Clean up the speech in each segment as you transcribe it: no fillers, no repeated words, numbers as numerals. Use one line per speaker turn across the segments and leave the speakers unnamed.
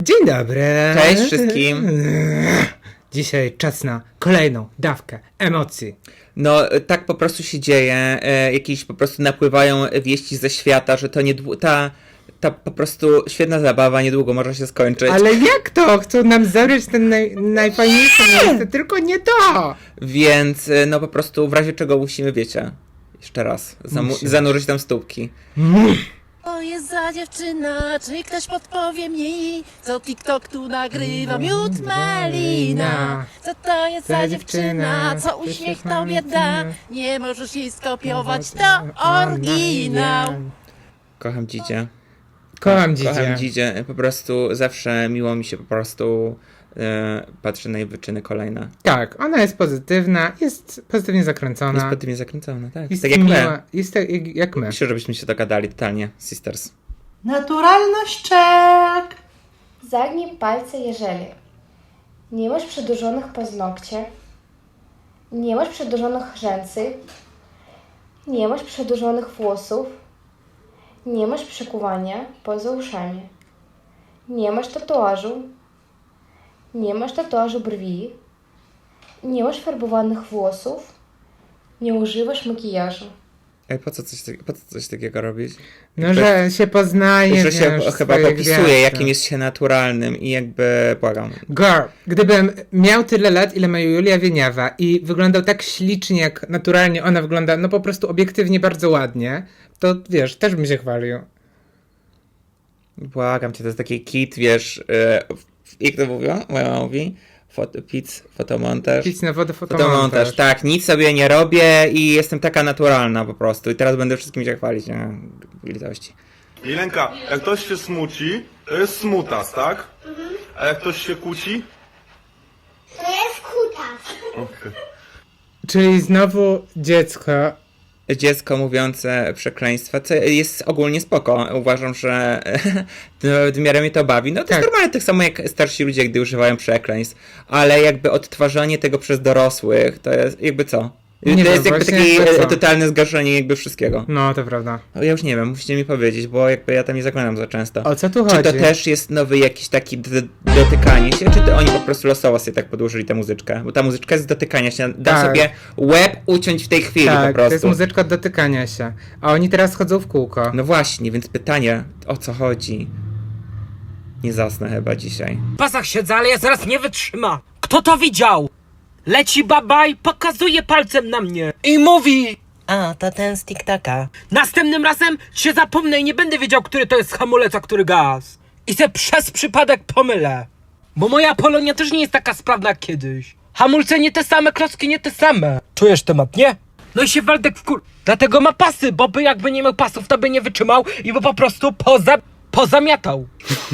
Dzień dobry.
Cześć wszystkim.
Dzisiaj czas na kolejną dawkę emocji.
No, tak po prostu się dzieje. Jakieś po prostu napływają wieści ze świata, że to ta po prostu świetna zabawa niedługo może się skończyć.
Ale jak to? Chcą nam zabrać ten najfajniejsze miejsce, tylko nie to!
Więc no po prostu w razie czego musimy, wiecie, jeszcze raz zanurzyć tam stópki.
To jest za dziewczyna, czy ktoś podpowie mi, co TikTok tu nagrywa, miód malina. Co to jest za dziewczyna, co uśmiech tobie da, nie możesz jej skopiować, to oryginał.
Kocham Dzidzie.
Kocham Dzidzie.
Kocham Dzidzie. Po prostu zawsze miło mi się po prostu patrzy na jej wyczyny kolejne.
Tak, ona jest pozytywna, jest pozytywnie zakręcona.
Jest pozytywnie zakręcona, tak.
Jest
Tak jak my.
miła, jest tak jak my.
Myślę, żebyśmy się dogadali totalnie, sisters.
Naturalność check!
Zagnij palce, jeżeli nie masz przedłużonych paznokci, nie masz przedłużonych rzęsy, nie masz przedłużonych włosów, nie masz przykuwania poza uszami, nie masz tatuażu brwi, nie masz farbowanych włosów, nie używasz makijażu.
Ej, po co coś takiego robić?
No, że się poznaje,
Że się
wiesz,
chyba
swoje
popisuje,
gwiazdy.
jakim jest się naturalnym i jakby błagam.
Girl, gdybym miał tyle lat, ile ma Julia Wieniawa i wyglądał tak ślicznie, jak naturalnie ona wygląda, no po prostu obiektywnie bardzo ładnie, to wiesz, też bym się chwalił.
Błagam cię, to jest taki kit, wiesz, jak to mówiła? Moja mama mówi? Fotomontaż.
Pić na wodę
Fotomontaż, tak, nic sobie nie robię i jestem taka naturalna po prostu i teraz będę wszystkim się chwalić, nie? Litości.
Jelenka, jak ktoś się smuci, to jest smutas, tak? A jak ktoś się kłóci?
To jest kutas.
Okej.
Czyli znowu dziecko
Mówiące przekleństwa, co jest ogólnie spoko. Uważam, że w miarę mnie to bawi. No to
Tak.
jest normalne, tak samo jak starsi ludzie, gdy używają przekleństw, ale jakby odtwarzanie tego przez dorosłych, to jest jakby co?
Nie
to
wiem,
jest jakby
właśnie
takie
jakby co?
totalne zgaszenie jakby wszystkiego.
No, to prawda.
Ja już nie wiem, musicie mi powiedzieć, bo jakby ja tam nie zaglądam za często.
O co tu
Czy
chodzi?
to też jest nowy jakiś taki dotykanie się, czy to oni po prostu losowo sobie tak podłożyli tę muzyczkę? Bo ta muzyczka jest z dotykania się. Dam
Tak.
sobie łeb uciąć w tej chwili po
Tak,
prostu.
to jest muzyczka od dotykania się. A oni teraz chodzą w kółko.
No właśnie, więc pytanie, o co chodzi? Nie zasnę chyba dzisiaj.
W pasach siedzę, ale ja zaraz nie wytrzyma. Kto to widział? Leci babaj, pokazuje palcem na mnie i mówi:
A, to ten z TikToka.
następnym razem się zapomnę i nie będę wiedział, który to jest hamulec, a który gaz. I se przez przypadek pomylę. Bo moja Polonia też nie jest taka sprawna jak kiedyś. Hamulce nie te same, klocki nie te same. Czujesz temat, nie? No i się Waldek dlatego ma pasy, bo by jakby nie miał pasów, to by nie wytrzymał i by po prostu pozamiatał.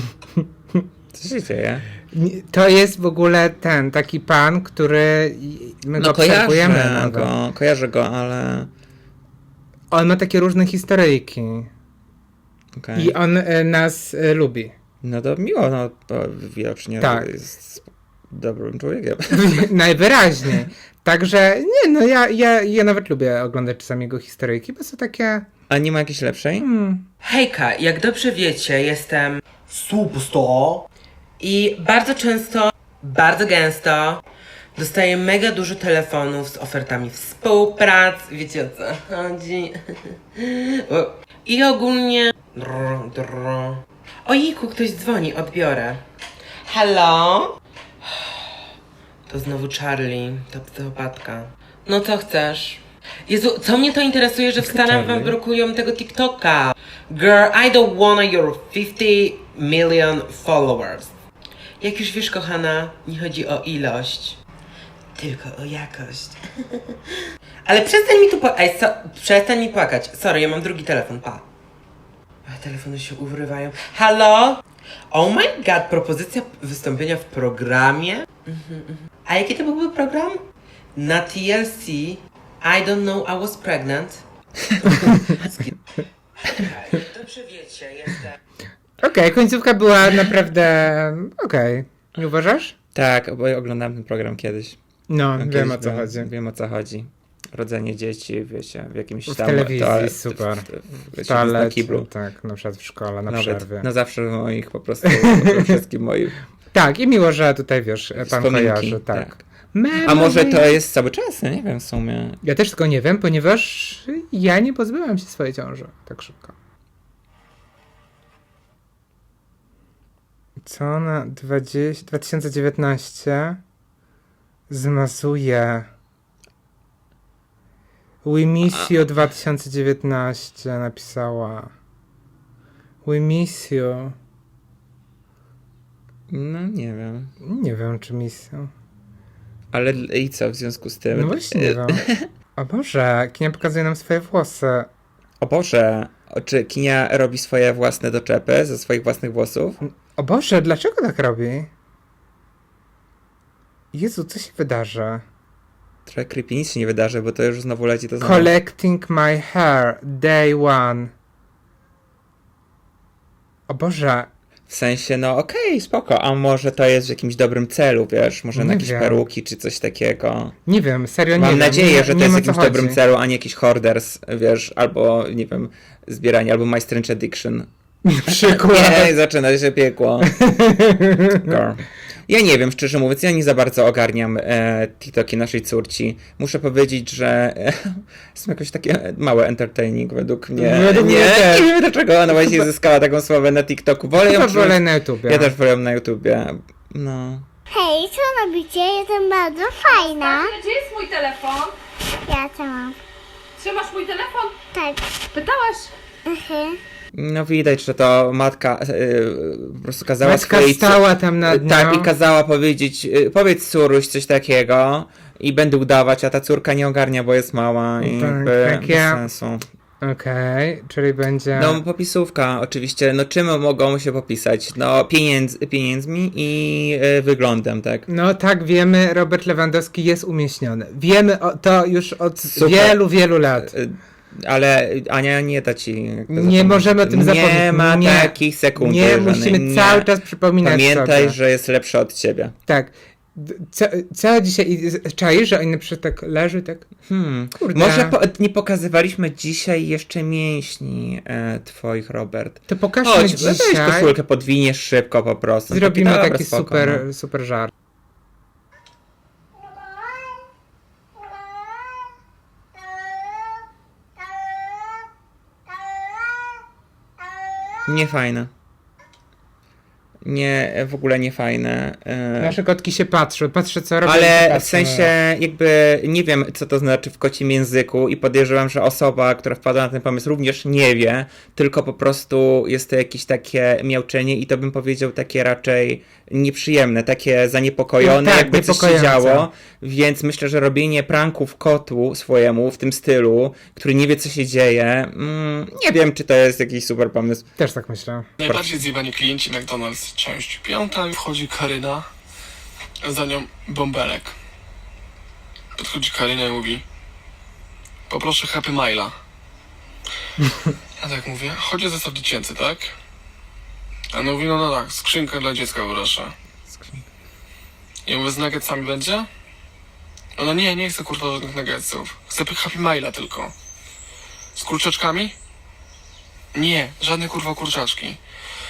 Co się dzieje?
To jest w ogóle ten taki pan, który my go obserwujemy.
Kojarzę go, ale...
On ma takie różne historyjki.
Okay.
I on nas lubi.
No to miło, no to widocznie
Tak.
jest dobrym człowiekiem.
Najwyraźniej. Także, nie no, ja nawet lubię oglądać czasami jego historyjki, bo są takie...
A nie ma jakiejś lepszej?
Hejka, jak dobrze wiecie, jestem superstar i bardzo często, bardzo gęsto dostaję mega dużo telefonów z ofertami współpracy, wiecie o co chodzi. I ogólnie... Ojejku, ktoś dzwoni, odbiorę. Hello? To znowu Charlie, ta psychopatka. No co chcesz? Jezu, co mnie to interesuje, że w Stanach wam blokują tego TikToka? Girl, I don't wanna your 50 million followers. Jak już wiesz, kochana, nie chodzi o ilość, tylko o jakość. Ale przestań mi tu przestań mi płakać. Sorry, ja mam drugi telefon, pa. A telefony się urywają. Halo? Oh my god, propozycja wystąpienia w programie? A jaki to byłby program? Na TLC. I don't know, I was pregnant. Dobrze wiecie, jestem.
Okej, końcówka była naprawdę... Okej. Nie uważasz?
Tak, bo ja oglądałem ten program kiedyś.
No,
Kiedyś
wiem o co chodzi.
Wiem o co chodzi. rodzenie dzieci, wiecie, w jakimś
W
tam...
telewizji, super.
Wiecie,
Na
na kiblu.
tak, na przykład w szkole, na
Nawet
przerwie.
na zawsze w moich po prostu, wszystkim moich
Tak, i miło, że tutaj, wiesz, pan
wspominki.
kojarzy, tak.
A może to jest cały czas? Ja nie wiem w sumie.
Ja też tego nie wiem, ponieważ ja nie pozbyłam się swojej ciąży tak szybko. Co na 2019 zmazuje? We miss you 2019 napisała. We miss you.
No nie wiem.
Nie wiem, czy miss you.
Ale i co w związku z tym?
No właśnie nie wiem. O Boże, Kinia pokazuje nam swoje włosy.
O Boże, czy Kinia robi swoje własne doczepy ze swoich własnych włosów?
O Boże, dlaczego tak robi? Jezu, co się wydarzy?
Trochę creepy, nic się nie wydarzy, bo to już znowu leci to znowu.
Collecting my hair, day one. O Boże,
W sensie, no okej, spoko, a może to jest w jakimś dobrym celu, wiesz, może na
Nie
jakieś
wiem.
peruki czy coś takiego.
nie wiem, serio nie
Mam
wiem.
nadzieję, że to
nie
jest w
ma co
jakimś dobrym
chodzi.
celu, a nie jakiś hoarders, wiesz, albo, nie wiem, zbieranie, albo My Strange Addiction.
Przykład.
Nie, zaczyna się piekło. Girl. Ja nie wiem, szczerze mówiąc, ja nie za bardzo ogarniam TikToki naszej córci. Muszę powiedzieć, że są jakoś takie małe entertaining według mnie.
Według mnie też.
Nie wiem dlaczego ona właśnie zyskała taką sławę na TikToku. Wolę ją
Chyba
przyjąć-
wolę na YouTubie.
Ja też wolę ją na YouTubie. No.
Hej, co robicie? Jestem bardzo fajna.
Gdzie jest mój telefon?
Ja to mam.
Trzymasz mój telefon?
Tak.
Pytałaś?
No widać, że to matka po prostu kazała
Matka
swojej
stała tam nad nią.
Tak, i kazała powiedzieć, powiedz córuś coś takiego i będę udawać, a ta córka nie ogarnia, bo jest mała i
Tak,
jakby
jak
bez
ja.
sensu.
Okej, czyli będzie...
No popisówka oczywiście, no czym mogą się popisać? No pieniędzmi i wyglądem, tak?
No tak, wiemy, Robert Lewandowski jest umieśniony. Wiemy to już od
Super.
wielu, wielu lat.
Ale Ania nie da ci... jak to
Nie
zapomnieć.
możemy o tym zapomnieć.
Nie ma
Nie.
takich sekund.
Nie,
koleżanek,
musimy
nie.
cały czas przypominać
Pamiętaj,
sobie.
że jest lepsza od ciebie.
Tak. Co dzisiaj... Czaisz, że oni na przykład tak leży, tak... Kurde.
Może nie pokazywaliśmy dzisiaj jeszcze mięśni twoich, Robert.
To pokażmy
Chodź, weź
dzisiaj.
koszulkę, podwiniesz szybko po prostu.
Zrobimy
Dobra,
taki
spoko,
super,
no.
super żart.
Niefajne. Nie, w ogóle niefajne.
Nasze kotki się patrzą co robią. i się
Ale w
patrzą.
sensie jakby nie wiem, co to znaczy w kocim języku i podejrzewam, że osoba, która wpadła na ten pomysł również nie wie, tylko po prostu jest to jakieś takie miauczenie i to bym powiedział takie raczej nieprzyjemne, takie zaniepokojone,
No tak,
jakby coś się
niepokojące.
działo, więc myślę, że robienie pranków kotu swojemu w tym stylu, który nie wie, co się dzieje, nie wiem, czy to jest jakiś super pomysł.
Też tak myślę.
Najbardziej zjebani klienci McDonald's, część 5. Wchodzi Karyna, za nią bąbelek. Podchodzi Karyna i mówi: poproszę Happy Mile'a. Ja tak mówię: chodzi o zestaw dziecięcy, tak? A on mówi: no tak, skrzynkę dla dziecka proszę. I mówię: z nuggetsami będzie? Ona: nie chcę kurwa żadnych nuggetsów. Chcę Happy Mile'a tylko. Z kurczaczkami? Nie, żadne kurwa kurczaczki.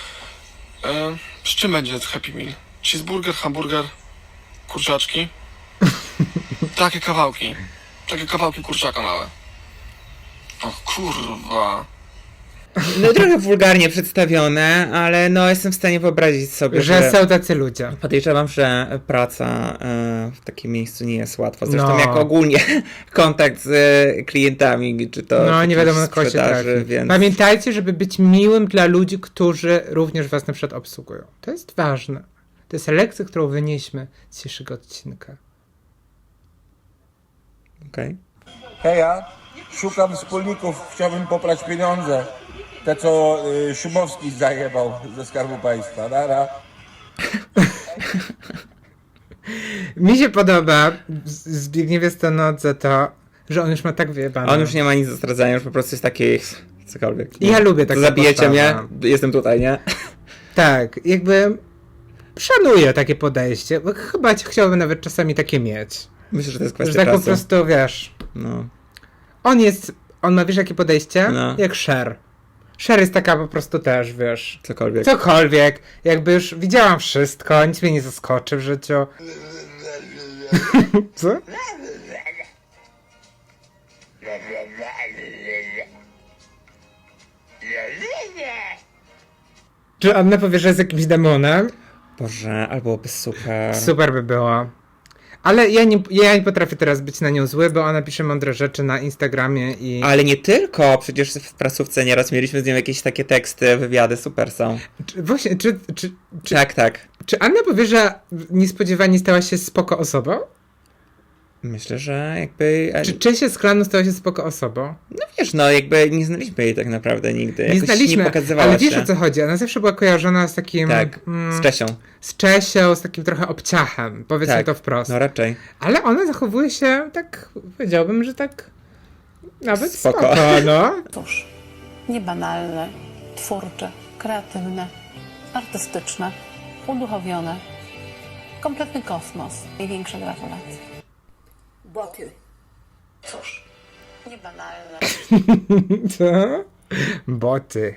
Z czym będzie Happy Meal? Cheeseburger, hamburger, kurczaczki? Takie kawałki kurczaka małe. O kurwa.
No trochę wulgarnie przedstawione, ale no jestem w stanie wyobrazić sobie,
Że są tacy ludzie.
Podejrzewam, że praca w takim miejscu nie jest łatwa. Zresztą
No.
jak ogólnie kontakt z klientami, czy to
No, nie
jakiejś
wiadomo na kogo się
sprzedaży,
trafi.
więc...
Pamiętajcie, żeby być miłym dla ludzi, którzy również was na przykład obsługują. To jest ważne. To jest lekcja, którą wynieśmy z dzisiejszego odcinka.
Okej.
Heja, szukam wspólników, chciałbym poprać pieniądze. Te, co Szumowski zajebał ze Skarbu Państwa. Nara.
Mi się podoba Zbigniewie Stonodze to, że on już ma tak wyjebane.
On już nie ma nic do stracenia, już po prostu jest taki cokolwiek.
Ja lubię taką
To zabijecie
postawę.
mnie? Jestem tutaj, nie?
Tak, jakby szanuję takie podejście, bo chyba chciałbym nawet czasami takie mieć.
Myślę, że to jest
Że
kwestia
tak po
czasu.
prostu, wiesz,
No.
On ma, wiesz, jakie podejście?
No.
Jak Cher. Cher jest taka po prostu też, wiesz...
Cokolwiek.
Jakby już widziałam wszystko, nic mnie nie zaskoczy w życiu. Co? Czy Anna powie, że jest jakimś demonem?
Boże, ale byłoby super.
Super by było. Ale ja nie potrafię teraz być na nią zły, bo ona pisze mądre rzeczy na Instagramie i...
Ale nie tylko, przecież w prasówce nieraz mieliśmy z nią jakieś takie teksty, wywiady, super są.
Właśnie,
Tak.
Czy Anna powie, że niespodziewanie stała się spoko osobą?
Myślę, że jakby...
Czy Czesia z klanu stała się spoko osobą?
No wiesz, no jakby nie znaliśmy jej tak naprawdę nigdy.
Nie
Jakoś
znaliśmy,
nie pokazywała
ale wiesz
się.
o co chodzi. Ona zawsze była kojarzona z takim...
Tak, z Czesią.
Z Czesią, z takim trochę obciachem, powiedzmy
Tak,
to wprost.
no raczej.
Ale ona zachowuje się tak, powiedziałbym, że tak nawet
Spoko.
no.
Cóż, niebanalne, twórcze, kreatywne, artystyczne, uduchowione. Kompletny kosmos. Największe gratulacje. Boty. Cóż, niebanalne.
Co? Boty.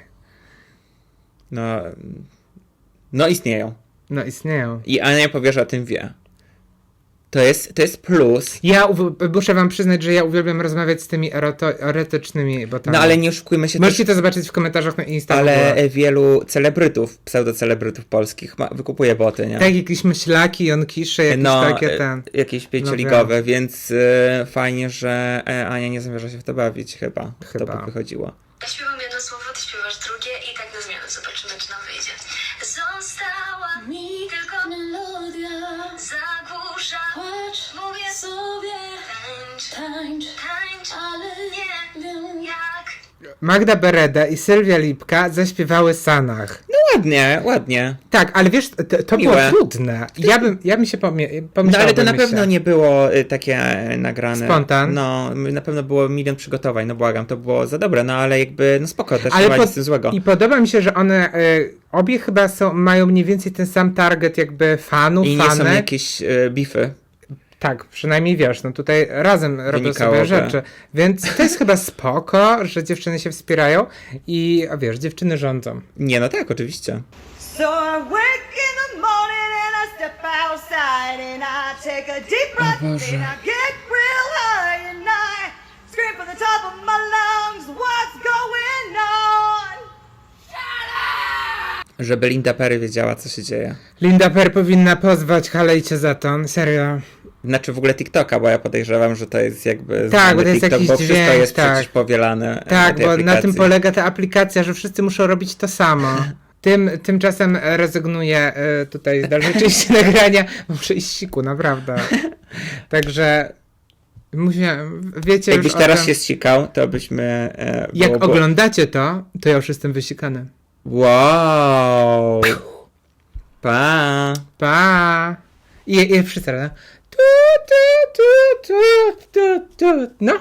No istnieją.
No istnieją.
I Ania powie, że o tym wie. To jest plus.
Ja muszę wam przyznać, że ja uwielbiam rozmawiać z tymi erotycznymi botami.
No ale nie oszukujmy się
Możecie
też,
to zobaczyć w komentarzach na Instagramie.
ale wielu celebrytów, pseudocelebrytów polskich wykupuje boty, nie?
Tak, jakieś myślaki, jonkisze, jakieś takie
jakieś pięcioligowe, więc fajnie, że Ania nie zamierza się w to bawić chyba. To by wychodziło.
Ja śpiewam jedno słowo, ty śpiewasz drugie i tak na zmianę. Zobaczymy, czy nam wyjdzie. Została mi tylko melodia, zagłusza, płacz, mówię sobie, tańcz, ale nie wiem jak.
Magda Bereda i Sylwia Lipka zaśpiewały Sanach.
No ładnie.
Tak, ale wiesz, to było
Miłe.
trudne. Ja bym się pomyślał.
No ale to na pewno nie było takie nagrane.
Spontan.
No, na pewno było milion przygotowań, no błagam, to było za dobre, no ale jakby, no spoko, też
Ale
nie ma nic z tym złego.
I podoba mi się, że one obie chyba mają mniej więcej ten sam target jakby fanów,
I nie
fanek.
są jakieś bify.
Tak, przynajmniej wiesz, no tutaj razem robią
Wynikałoby.
sobie rzeczy. Więc to jest chyba spoko, że dziewczyny się wspierają i wiesz, dziewczyny rządzą.
Nie, no tak, oczywiście.
So I wake in the morning and I step outside and I take a deep breath and I get real high and I scream from the top of my lungs, what's going on?
Żeby Linda Perry wiedziała, co się dzieje.
Linda Per powinna pozwać Halejcie za to, serio.
Znaczy w ogóle TikToka, bo ja podejrzewam, że to jest jakby
Tak, bo to jest
TikTok,
jakiś
bo wszystko
dźwięk,
jest
tak.
przecież powielane
Tak,
tej
bo
aplikacji.
na tym polega ta aplikacja, że wszyscy muszą robić to samo. Tymczasem rezygnuję tutaj z dalszej części nagrania, bo muszę iść siku, naprawdę. Także wiecie
Jakbyś
już
teraz
o tym.
się zsikał, to byśmy...
Jak oglądacie to ja już jestem wysikany.
Wow! Pa!
Pa! I wszyscy razem. No.